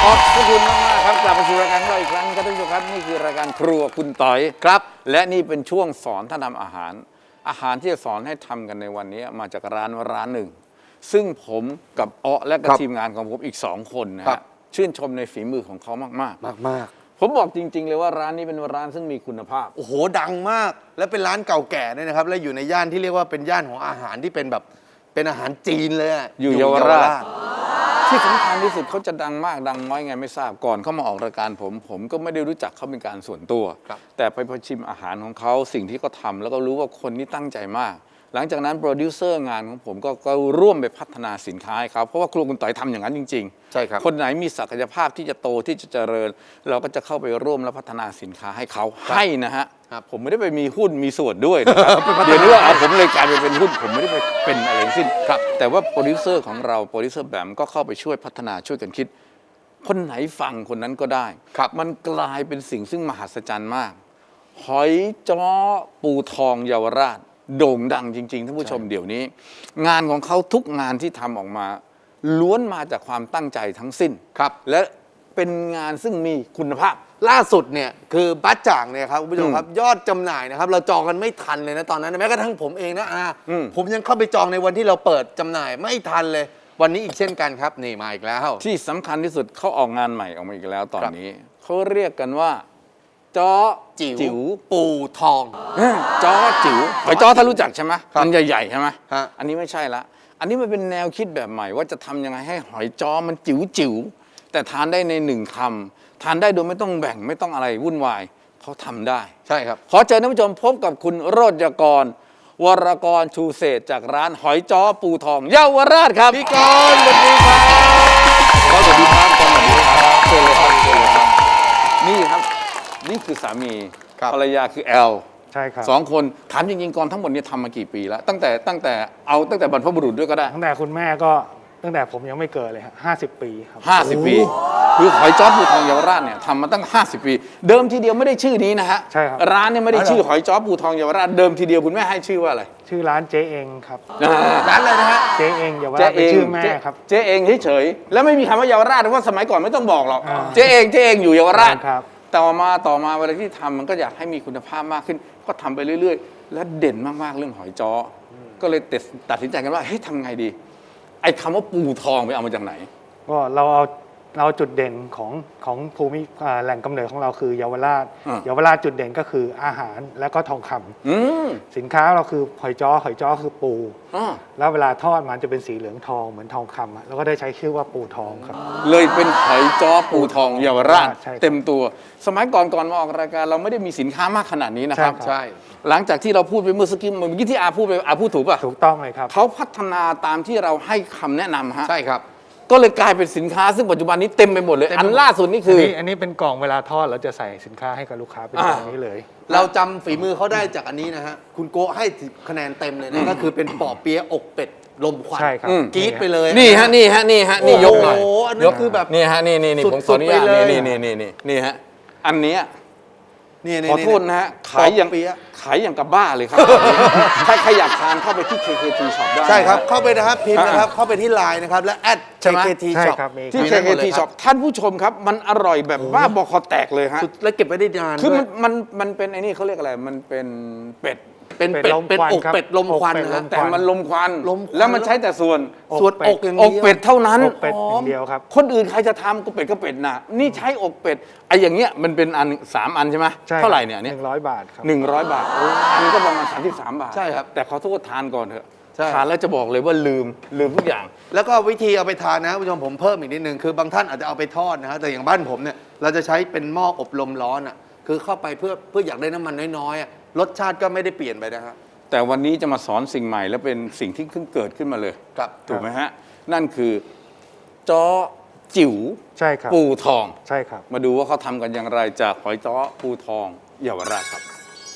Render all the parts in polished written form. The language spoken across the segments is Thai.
ขอบคุณมากๆครับกลับมาสู่รายการของเราอีกครั้งครับท่านผู้ชมครับนี่คือรายการครัวคุณต๋อยครับและนี่เป็นช่วงสอนท่านทำอาหารที่จะสอนให้ทำกันในวันนี้มาจากร้านหนึ่งซึ่งผมกับอ๊อและกับทีมงานของผมอีก2คนนะฮะชื่นชมในฝีมือของเขามากๆผมบอกจริงๆเลยว่าร้านนี้เป็นร้านซึ่งมีคุณภาพโอ้โหดังมากและเป็นร้านเก่าแก่ด้วยนะครับและอยู่ในย่านที่เรียกว่าเป็นย่านของอาหารที่เป็นแบบเป็นอาหารจีนเลยอยู่เยาวราชที่สำคัญที่สุดเขาจะดังมากดังน้อยไงไม่ทราบก่อนเขามาออกรายการผมก็ไม่ได้รู้จักเขาเป็นการส่วนตัวแต่ไปพอชิมอาหารของเขาสิ่งที่เขาทำแล้วก็รู้ว่าคนนี้ตั้งใจมากหลังจากนั้นโปรดิวเซอร์งานของผมก็ร่วมไปพัฒนาสินค้าให้เขาเพราะว่าครัวคุณต๋อยทำอย่างนั้นจริงๆใช่ครับคนไหนมีศักยภาพที่จะโตที่จะเจริญเราก็จะเข้าไปร่วมและพัฒนาสินค้าให้เขาให้นะฮะผมไม่ได้ไปมีหุ้นมีส่วนด้วยนะครับเดี๋ยวนี้ว่าผมเลยกลายไปเป็นหุ้นผมไม่ได้ไปเป็นอะไรทั้งสิ้นแต่ว่าโปรดิวเซอร์ของเราโปรดิวเซอร์แบมก็เข้าไปช่วยพัฒนาช่วยกันคิดคนไหนฟังคนนั้นก็ได้มันกลายเป็นสิ่งซึ่งมหัศจรรย์มากหอยจ้อปูทองเยาวราชโด่งดังจริงๆท่านผู้ชมเดี๋ยวนี้งานของเขาทุกงานที่ทำออกมาล้วนมาจากความตั้งใจทั้งสิ้นและเป็นงานซึ่งมีคุณภาพล่าสุดเนี่ยคือบัตจ่างเนี่ยครับคุณผู้ชมครับยอดจำหน่ายนะครับเราจองกันไม่ทันเลยนะตอนนั้นแม้กระทั่งผมเองนะผมยังเข้าไปจองในวันที่เราเปิดจำหน่ายไม่ทันเลยวันนี้อีกเช่นกันครับนี่มาอีกแล้วที่สำคัญที่สุดเขาออกงานใหม่ออกมาอีกแล้วตอนนี้เขาเรียกกันว่าจ้อจิ๋วปูทองจ้อจิ๋วหอยจ้อถ้ารู้จักใช่ไหมมันใหญ่ๆใช่ไหมอันนี้ไม่ใช่ละอันนี้มันเป็นแนวคิดแบบใหม่ว่าจะทำยังไงให้หอยจ้อมันจิ๋วแต่ทานได้ใน1 คำทานได้โดยไม่ต้องแบ่งไม่ต้องอะไรวุ่นวายเขาทำได้ใช่ครับขอเชิญท่านผู้ชมพบกับคุณโรจกรวรกรชูเศษจากร้านหอยจ้อปูทองเยาวราชครับพี่กรณ์สวัสดีครับสวัสดีครับสวัสดีครับเชิญเลยครับนี่ครับนี่คือสามีภรรยาคือแอลใช่ครับ 2 คนถามจริงๆก่อนทั้งหมดนี้ทำมากี่ปีแล้วตั้งแต่บรรพบุรุษด้วยก็ได้ตั้งแต่คุณแม่ก็ตั้งแต่ผมยังไม่เกิดเลยฮะ50 ปีครับ 50 ปีคือหอยจ้อปูทองเยาวราชเนี่ยทำมาตั้ง50 ปีเดิมทีเดียวไม่ได้ชื่อนี้นะฮะใช่ครับร้านเนี่ยไม่ได้ชื่อหอยจ้อปูทองเยาวราชเดิมทีเดียวคุณแม่ให้ชื่อว่าอะไรชื่อร้านเจ๊เองครับร้านอะไรนะฮะเจ๊เองเยาวราชเป็นชื่อแม่ครับเจ๊เองเฉยๆแล้วไม่มีคำว่าเยาวราชเพราะว่าสมัยก่อนไม่ต้องบอกหรอกเจ๊เองอยู่เยาวราชต่อมาเวลาที่ทำมันก็อยากให้มีคุณภาพมากขึ้นก็ทำไปเรื่อยๆและเด่นมากๆเรื่องหอยจ้อก็เลยตัดสินใจกันว่าเฮ้ยทำไงดีไอ้คำว่าปูทองไปเอามาจากไหนก็เราจุดเด่นของภูมิแหล่งกำเนิดของเราคือเยาวราชจุดเด่นก็คืออาหารและก็ทองคำสินค้าเราคือหอยจ้อคือปูแล้วเวลาทอดมันจะเป็นสีเหลืองทองเหมือนทองคำแล้วก็ได้ใช้ชื่อว่าปูทองครับเลยเป็นหอยจ้อปูทองเยาวราชเต็มตัวสมัยก่อนมาออกรายการเราไม่ได้มีสินค้ามากขนาดนี้นะครับใช่หลังจากที่เราพูดไปเมื่อสักครู่ที่อาพูดถูกป่ะถูกต้องเลยครับเขาพัฒนาตามที่เราให้คำแนะนำฮะใช่ครับก็เลยกลายเป็นสินค้าซึ่งปัจจุบันนี้เต็มไปหมดเลยอันล่าสุดนี่คืออันนี้เป็นกล่องเวลาทอดเราจะใส่สินค้าให้กับลูกค้าเป็นแบบนี้เลยเราจำฝีมือเขาได้จากอันนี้นะฮะคุณโกให้คะแนนเต็มเลยนะก็คือเป็นปอเปี๊ยะอกเป็ดลมควันกรี๊ดไปเลยนี่ฮะนี่ยกหน่อยยกคือแบบนี่ฮะนี่ผมขออนุญาตนี่ฮะอันนี้ขอโทษนะฮะขายอย่างกับบ้าเลยครับถ้าใครอยากทานเข้าไปที่ KKT Shop ได้ใช่ครับเข้าไปนะครับพิมพ์นะครับเข้าไปที่ LINE นะครับและ @KKT Shop ที่ KKT Shop ท่านผู้ชมครับมันอร่อยแบบบ้าบอคอแตกเลยฮะและเก็บไว้ได้นานคือมันเป็นไอ้นี่เขาเรียกอะไรมันเป็นเป็ดเป็นอกเป็ดลมควันนะแต่มันลมควันแล้วมันใช้แต่ส่วนอกอย่างเดียวอกเป็ดเท่านั้นอกเป็ดอย่างเดียวครับคนอื่นใครจะทำก็เป็ดน่ะนี่ใช้อกเป็ดไอ้อย่างเงี้ยมันเป็นอัน3 อันใช่ไหมเท่าไหร่เนี่ย 100 บาทครับ 100 บาทอันก็ประมาณ33 บาทใช่ครับแต่ขอโทษทานก่อนเถอะทานแล้วจะบอกเลยว่าลืมทุกอย่างแล้วก็วิธีเอาไปทานนะผู้ชมผมเพิ่มอีกนิดนึงคือบางท่านอาจจะเอาไปทอดนะฮะแต่อย่างบ้านผมเนี่ยเราจะใช้เป็นหม้ออบลมร้อนอ่ะคือเข้าไปเพื่ออยากได้น้ำมันน้อยๆรสชาติก็ไม่ได้เปลี่ยนไปนะฮะแต่วันนี้จะมาสอนสิ่งใหม่และเป็นสิ่งที่เพิ่งเกิดขึ้นมาเลยถูกไหมฮะนั่นคือจ้อจิ๋วใช่ครับปูทองใช่ครับมาดูว่าเขาทำกันอย่างไรจากหอยจ้อปูทองเยาวราชครับ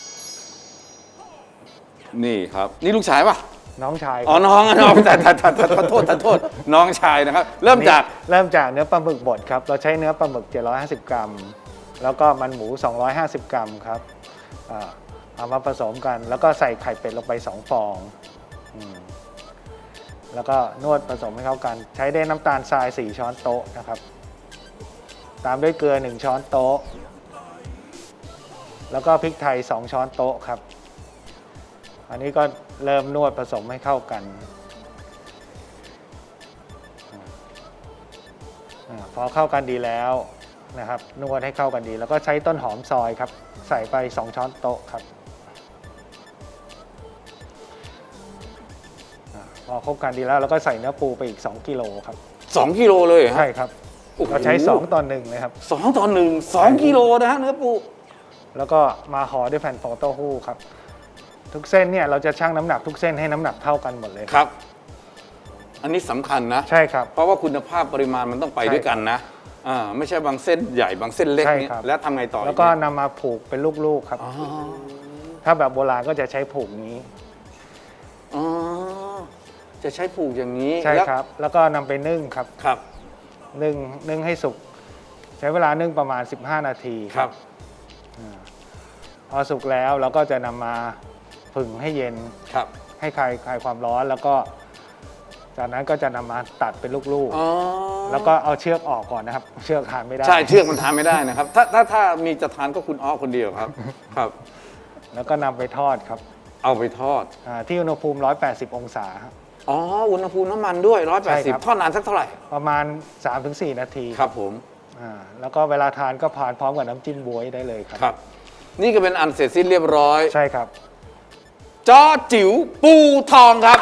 นี่ครับนี่ลูกชายป่ะน้องชายน้องแต่โทษน้องชายนะครับเริ่มจากเนื้อปลาหมึกบดครับเราใช้เนื้อปลาหมึก750 กรัมแล้วก็มันหมู250 กรัมครับเอามาผสมกันแล้วก็ใส่ไข่เป็ดลงไป2 ฟองแล้วก็นวดผสมให้เข้ากันใช้ได้น้ำตาลทราย4 ช้อนโต๊ะนะครับตามด้วยเกลือ1 ช้อนโต๊ะแล้วก็พริกไทย2 ช้อนโต๊ะครับอันนี้ก็เริ่มนวดผสมให้เข้ากันพอเข้ากันดีแล้วนะครับนวดให้เข้ากันดีแล้วก็ใช้ต้นหอมซอยครับใส่ไป2 ช้อนโต๊ะครับพอคลุกกันดีแล้วเราก็ใส่เนื้อปูไปอีก2 กิโลครับ 2 กิโลเลยเหรอฮะใช่ครับโอ้โหเราใช้2 ต่อ 1เลยครับ 2 ต่อ 1 2 กิโลนะฮะเนื้อปูแล้วก็มาห่อด้วยแผ่นฟองเต้าหู้ครับทุกเส้นเนี่ยเราจะชั่งน้ำหนักทุกเส้นให้น้ำหนักเท่ากันหมดเลยครับ อันนี้สำคัญนะใช่ครับเพราะว่าคุณภาพปริมาณมันต้องไปใช่ด้วยกันนะไม่ใช่บางเส้นใหญ่บางเส้นเล็กใช่นี่ครับแล้วทำไงต่อแล้วก็นำมาผูกเป็นลูกๆครับอ๋อถ้าแบบโบราณก็จะใช้ผูกนี้อ๋อจะใช้ผูกอย่างนี้ใช่แล้วครับ แล้วก็นำไปนึ่งครับครับนึ่งให้สุกใช้เวลานึ่งประมาณ15 นาทีครับพอสุกแล้วเราก็จะนำมาผึ่งให้เย็นครับให้คลายความร้อนแล้วก็จากนั้นก็จะนำมาตัดเป็นลูกอ๋อๆแล้วก็เอาเชือกออกก่อนนะครับ เชือกทานไม่ได้ใช่เชือกมันทานไม่ได้นะครับ ถ้ามีจะทานก็คุณอ้อคนเดียวครับ ครับแล้วก็นำไปทอดครับเอาไปทอดที่อุณหภูมิ180 องศาครับอ๋ออุณหภูมิน้ำมันด้วยใช่ครับ 180ทอดนานสักเท่าไหร่ประมาณ 3-4 นาทีครับผมแล้วก็เวลาทานก็ทานพร้อมกับน้ำจิ้มบ๊วยได้เลยครับครับ นี่ก็เป็นอันเสร็จสิ้นเรียบร้อยใช่ครับจ้อจิ๋วปูทองครับ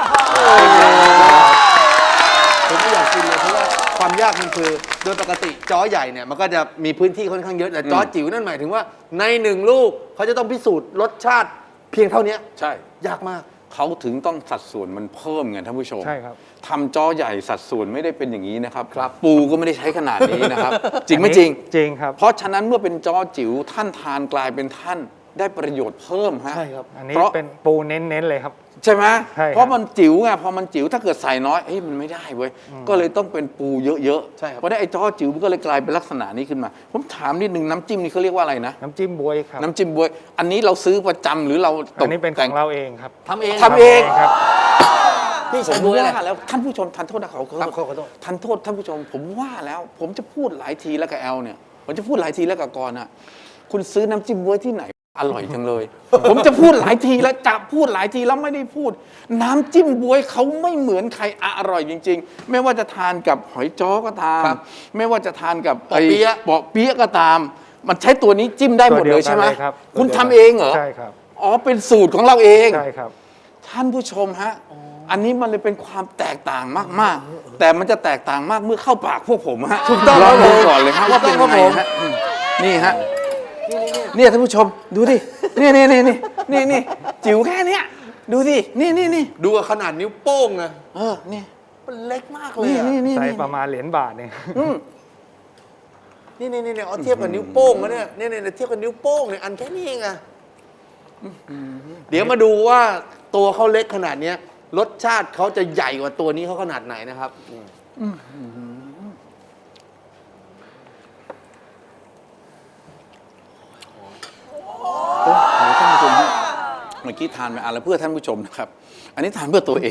ผมไม่อยากกินเลยเพราะว่าความยากมันคือโดยปกติจ้อใหญ่เนี่ยมันก็จะมีพื้นที่ค่อนข้างเยอะแต่จ้อจิ๋วนั่นหมายถึงว่าใน1 ลูกเขาจะต้องพิสูจน์รสชาติเพียงเท่านี้ใช่ยากมากเขาถึงต้องสัดส่วนมันเพิ่มไงท่านผู้ชมใช่ครับทำจ้อใหญ่สัดส่วนไม่ได้เป็นอย่างนี้นะครับ ปูก็ไม่ได้ใช้ขนาดนี้นะครับ จริงไม่จริงจริงครับเพราะฉะนั้นเมื่อเป็นจ้อจิ๋วท่านทานกลายเป็นท่านได้ประโยชน์เพิ่มฮะใช่ครับอันนี้เพราะเป็นปูเน้นๆเลยครับใช่ไหมใช่ครับเพราะมันจิ๋วไงพอมันจิ๋วถ้าเกิดใส่น้อยมันไม่ได้เว้ยก็เลยต้องเป็นปูเยอะใช่ครับเพราะได้ไอ้จ้อจิ๋วมันก็เลยกลายเป็นลักษณะนี้ขึ้นมา ผมถามนิดนึงน้ำจิ้มนี่เขาเรียกว่าอะไรนะน้ำจิ้มบ๊วยครับน้ำจิ้มบวย อันนี้เราซื้อประจำหรือเราตอักนนี้เป็นขแต่องเราเองครับทำเองทำเองครับพี่ผใช้มด้วยอะไรว่าแล้วท่านผู้ชมทันโทษนะเขาครับขอโทษทันโทษท่านผู้ชม ผมว่าแล้ว ผมจะพูดหลายทีแล้วกับแอลเนี่ยผมจะพูดหลายทีแล้วกับกรอ่ะคุณซื้อน้ำจิ้มบ๊วยที่ไหนอร่อยจังเลย ผมจะพูดหลายทีแล้วจะพูดหลายทีแล้วไม่ได้พูด น้ำจิ้มบ๊วยเขาไม่เหมือนใครอร่อยจริง ๆ ไม่ว่าจะทานกับหอยจ้อก็ตามครับไม่ว่าจะทานกับปอเปี๊ยะปอเปี๊ยะก็ตาม มันใช้ตัวนี้จิ้มได้หมดเลยใช่ไหมตัวเดียวกันเลยครับคุณทำเองเหรอใช่ครับอ๋อเป็นสูตรของเราเองใช่ครับท่านผู้ชมฮะ อันนี้มันเลยเป็นความแตกต่างมากๆ แต่มันจะแตกต่างมากเมื่อเข้าปากพวกผมฮะถูกต้องลองครัดูบผมก่อนเลยฮะว่าเป็นถูกต้องยังไงครับผมฮะนี่ฮะเนี่ยท่านผู้ชมดูดินี่จิ๋วแค่เนี้ยดูสินี่ดูกับขนาดนิ้วโป้งนะนี่มันเล็กมากเลยอะนี่ใส่ประมาณเหรียญบาทเนี่ยนี่เอาเทียบกับนิ้วโป้งนะเนี่ยเทียบกับนิ้วโป้งเนี่ยอันแค่นี้เองอะเดี๋ยวมาดูว่าตัวเขาเล็กขนาดเนี้ยรสชาติเขาจะใหญ่กว่าตัวนี้เขาขนาดไหนนะครับท่านผู้ชมฮะเมื่อกี้ทานไปอะไรเพื่อท่านผู้ชมนะครับ อันนี้ทานเพื่อตัวเอง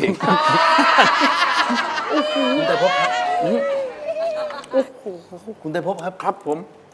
คุณไตรภพครับคุณไตรภพครับครับผม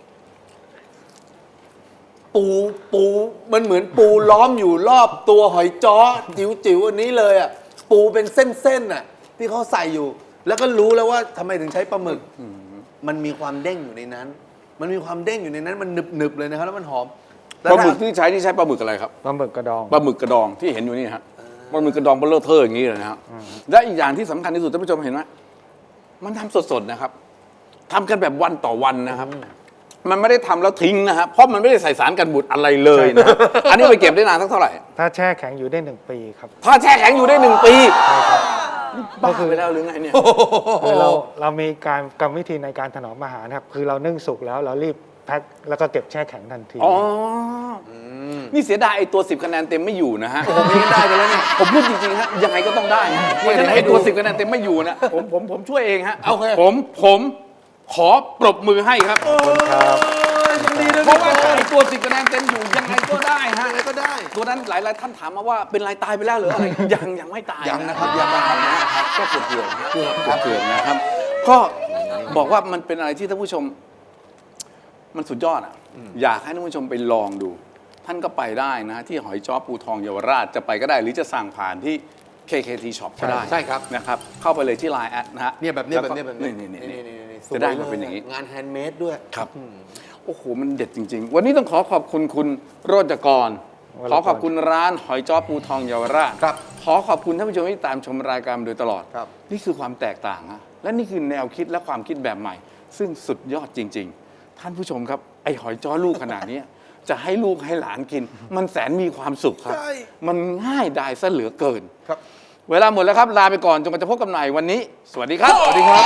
ปูมันเหมือนปูล้อมอยู่รอบตัวหอยจ้อจิ๋วอันนี้เลยอ่ะปูเป็นเส้นๆอ่ะที่เขาใส่อยู่ แล้วก็รู้แล้วว่าทำไมถึงใช้ปลาหมึกมันมีความเด้งอยู่ในนั้น มันมีความเด้งอยู่ในนั้น มันหนึบๆเลยนะครับแล้วมันหอมปลาหมึกที่ใช้ปลาหมึกอะไรครับปลาหมึกกระดองปลาหมึกกระดองที่เห็นอยู่นี่ฮะปลาหมึกกระดองเบลเลอร์เทอร์อย่างนี้เลยนะครับและอีกอย่างที่สำคัญที่สุดท่านผู้ชมเห็นไหมมันทำสดๆนะครับทำกันแบบวันต่อวันนะครับ มันไม่ได้ทำแล้วทิ้งนะครับเพราะมันไม่ได้ใส่สารกันบูดอะไรเลยนะอันนี้ไปเก็บได้นานสักเท่าไหร่ถ้าแช่แข็งอยู่ได้1 ปีครับถ้าแช่แข็งอยู่ได้1 ปีก็บ้าคือไปแล้วหรือไงเนี่ยคือเรามีการกรรมวิธีในการถนอมอาหารครับคือเรานึ่งสุกแล้วเรารีบแพ็คแล้วก็เก็บแช่แข็งทันทีอ๋อนี่เสียดายไอ้ตัว10 คะแนนเต็มไม่อยู่นะฮะผมไม่ได้ไปแล้วเนี่ยผมพูดจริงๆฮะยังไงก็ต้องได้ฮะเพราะฉะนั้นไอ้ตัว10 คะแนนเต็มไม่อยู่นะผมช่วยเองฮะโอเคผมขอปรบมือให้ครับครับยินดีด้วยเพราะว่าถ้าไอ้ตัว10 คะแนนเต็มอยู่ยังไงก็ได้ฮะอะไรก็ได้ตัวนั้นหลายๆท่านถามมาว่าเป็นไรตายไปแล้วหรืออะไรยังไม่ตายยังนะครับยังนะครับก็เกือบนะครับก็บอกว่ามันเป็นอะไรที่ท่านผู้ชมมันสุดยอดอ่ะอยากให้ท่านผู้ชมไปลองดู ท่านก็ไปได้นะที่หอยจ้อปูทองเยาวราชจะไปก็ได้หรือจะสั่งผ่านที่ KKT Shop ก็ได้ใช่ครับนะครับเข้าไปเลยที่ Line แอดนะฮะเนี่ยแบบนี้ล้วแบก็บนี้แบบนี้นี่สวยจะได้มาเป็นอย่างนี้งานแฮนด์เมดด้วยครับโอ้โหมันเด็ดจริง ๆ วันนี้ต้องขอขอบคุณคุณโรจกร ขอขอบคุณร้านหอยจ้อปูทองเยาวราชครับขอขอบคุณท่านผู้ชมที่ตามชมรายการมาโดยตลอดครับนี่คือความแตกต่างฮะและนี่คือแนวคิดและความคิดแบบใหม่ ซึ่งสุดยอดจริง ๆ ท่านผู้ชมครับไอหอยจ้อลูกขนาดนี้ จะให้ลูกให้หลานกิน มันแสนมีความสุขครับใช่มันง่ายดายซะเหลือเกินครับเวลาหมดแล้วครับลาไปก่อนจนกว่าจะพบกันใหม่วันนี้ สวัสดีครับ สวัสดีครับ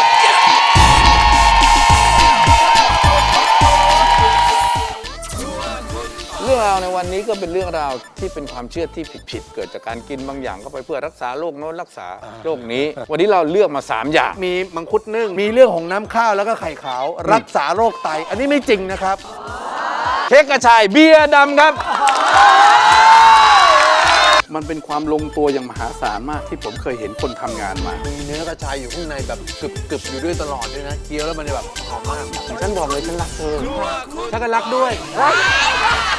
เรื่องราวในวันนี้ก็เป็นเรื่องราวที่เป็นความเชื่อที่ผิดๆเกิดจากการกินบางอย่างเข้าไปเพื่อรักษาโรคโน้นรักษาโรคนี้ วันนี้เราเลือกมา 3 อย่างมีมังคุดนึ่งมีเรื่องของน้ำข้าวแล้วก็ไข่ขาว รักษาโรคไต อันนี้ไม่จริงนะครับเค้กกระชายเบียร์ดำครับ มันเป็นความลงตัวอย่างมหาศาลมากที่ผมเคยเห็นคนทำงานมามีเนื้อกระชายอยู่ข้างในแบบกรึบๆอยู่ด้วยตลอดด้วยนะเคี้ยวแล้วมันจะแบบหอมมากฉันบอกเลยฉันรักเธอถ้ากันรักด้วย